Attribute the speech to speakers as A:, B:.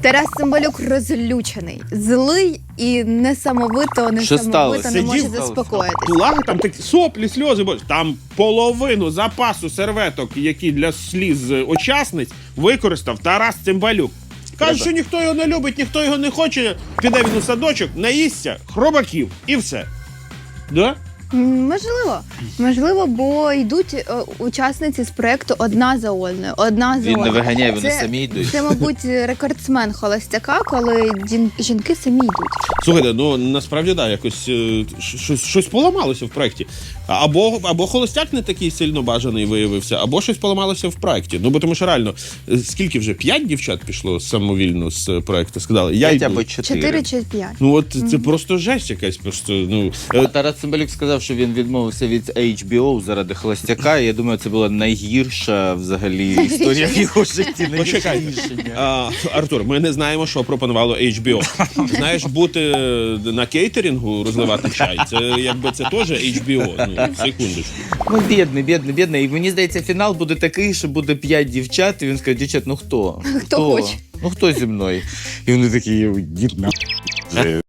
A: Тарас Цимбалюк розлючений, злий і несамовито не
B: Сидів,
A: може заспокоїтись.
C: Плакав, там такі соплі, сльози, бо там половину запасу серветок, які для сліз учасниць, використав Тарас Цимбалюк. Каже, що ніхто його не любить, ніхто його не хоче, піде він у садочок, наїсться хробаків і все. Да?
A: Можливо, бо йдуть учасниці з проєкту одна за одною,
B: Він не виганяє, вони самі йдуть.
A: Це, мабуть, рекордсмен холостяка, коли жінки самі йдуть.
C: Слухайте, ну насправді да, якось щось поламалося в проєкті. Або холостяк не такий сильно бажаний виявився, або щось поламалося в проєкті. Ну, бо тому що реально, скільки вже? 5 дівчат пішло самовільно з проєкту? Сказали, я
B: 5
C: йду.
B: або 4.
A: 4 чи 5.
C: Ну от це просто жесть якась. Просто, ну,
B: Тарас Цимбалюк сказав, що він відмовився від HBO заради холостяка. І я думаю, це була найгірша взагалі історія в його житті.
C: Почекай. Артур, ми не знаємо, що пропонувало HBO. Знаєш, бути на кейтерінгу, розливати чай, це якби це теж HBO. Ну, секундочку.
B: Ну, бідний. І мені здається, фінал буде такий, що буде 5 дівчат, і він скаже, дівчат, ну хто?
A: Хто хоче?
B: Ну хто зі мною? І вони такі, дід на.